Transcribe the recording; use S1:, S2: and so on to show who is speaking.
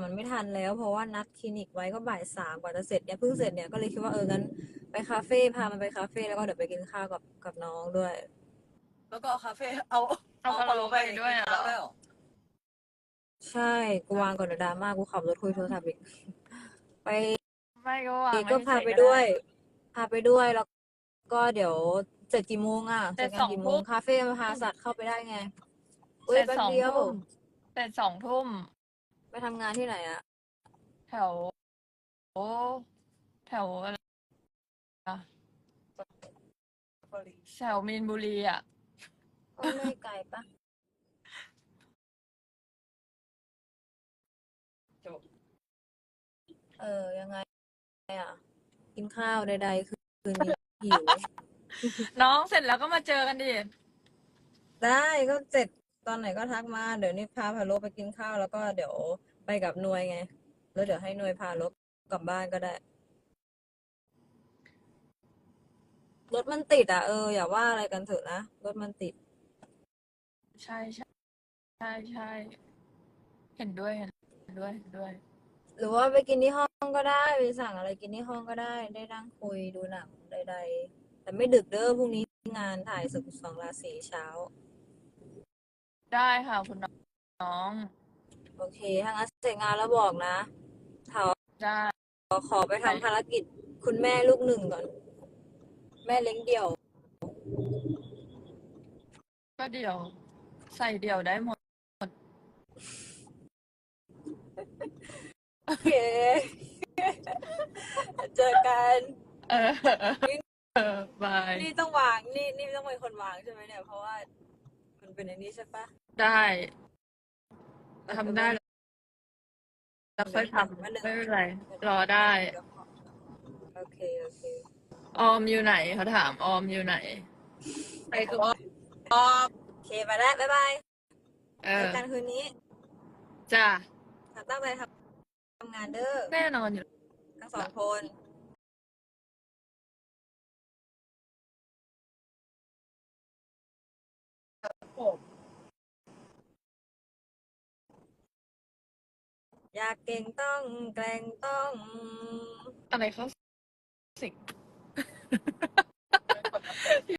S1: มันไม่ทันแล้วเพราะว่านัดคลินิกไว้ก็บ่าย 3กว่าจะเสร็จเนี่ยเพิ่งเสร็จเนี่ยก็เลยคิดว่างั้นไปคาเฟ่พามันไปคาเฟ่แล้วก็เดี๋ยวไปกินข้าวกับน้องด้วย
S2: แล้วก็คาเฟ่เอา
S3: เอาพะโล้ไปด้วย
S2: กิน
S3: อ่ะ
S2: ข้าวด้วยเหรอ
S1: ใช่กูวางก่อนเดี๋ยวดราม่ากูขับรถคุยโทรศัพท์อีกไป
S3: ไม่ก็วางไว้
S1: ก็พา
S3: เฉยๆ
S1: ไป
S3: ก็
S1: ด้ว
S3: ได้
S1: ยพาไปด้วยแล้วก็เดี๋ยวเสร็จกี่โมงอ่ะ
S3: เสร็จ
S1: งานกี่โมง
S3: 2 ทุ่ม
S1: คาเฟ่มาพาสัตว์เข้าไปได้ไง
S3: เสร็จ
S1: แป๊บ
S3: 2
S1: เดียว
S3: ทุ่มเสร็จ2 ทุ่ม
S1: ไปทำงานที่ไหนอ่ะ
S3: แถวแถวอะไรอะแถวมีนบุรีอ่ะ
S1: ก็ไม่ไกลปะ
S2: จบ
S1: ยังไงอ่ะ กินข้าวใดๆคืนนี้หิว
S3: น้องเสร็จแล้วก็มาเจอกันดิ
S1: ได้ก็เสร็จตอนไหนก็ทักมา เดี๋ยวนี้พาพาโลไปกินข้าวแล้วก็เดี๋ยวไปกับนวยไง แล้วเดี๋ยวให้นวยพาโลกลับบ้านก็ได้ รถมันติดอ่ะอย่าว่าอะไรกันเถอะนะ รถมันติด
S3: ใช่ใช่ใช่ใช่เห็นด้วยเห็นด้วยเห็นด้วย
S1: หรือว่าไปกินที่ห้องก็ได้ไปสั่งอะไรกินที่ห้องก็ได้ได้นั่งคุยดูหนังใดๆแต่ไม่ดึกเด้อพรุ่งนี้งานถ่ายศึก12 ราศีเช้า
S3: ได้ค่ะคุณน้อง
S1: โอเคถ้างั้นเสร็จงานแล้วบอกนะ
S3: ได้
S1: ขอไปทำภารกิจคุณแม่ลูกหนึ่งก่อน แม่เลี้ยงเดี่ยว
S3: ก็เดี๋ยวใส่เดี่ยวได้หมด
S1: โอเค เจอกัน
S3: เออ บาย
S1: นี่ต้องวางนี่ต้องเป็นคนวางใช่ไหมเนี่ย เพราะว่ามันเป็นอันนี้ใช่ปะ
S3: ได้ทำได้แล้วค่อยทำ
S1: ไม่
S3: ไม่เป็นไร รอได้
S1: โอเค
S3: ออมอยู่ไหนเขาถามออมอยู่ไหน
S2: ไปกับออม
S1: โอเคไปแล้วบ๊ายบาย
S3: เอ
S1: เจ
S3: อ
S1: อกันคืนนี้
S3: จ้า
S1: ตั้งใจทำงานเด้อ
S3: แน่นอนอยู่
S1: ทั้งสองคน อยากเก่งต้องแกล้งต้อง
S3: อะไรเขาสิ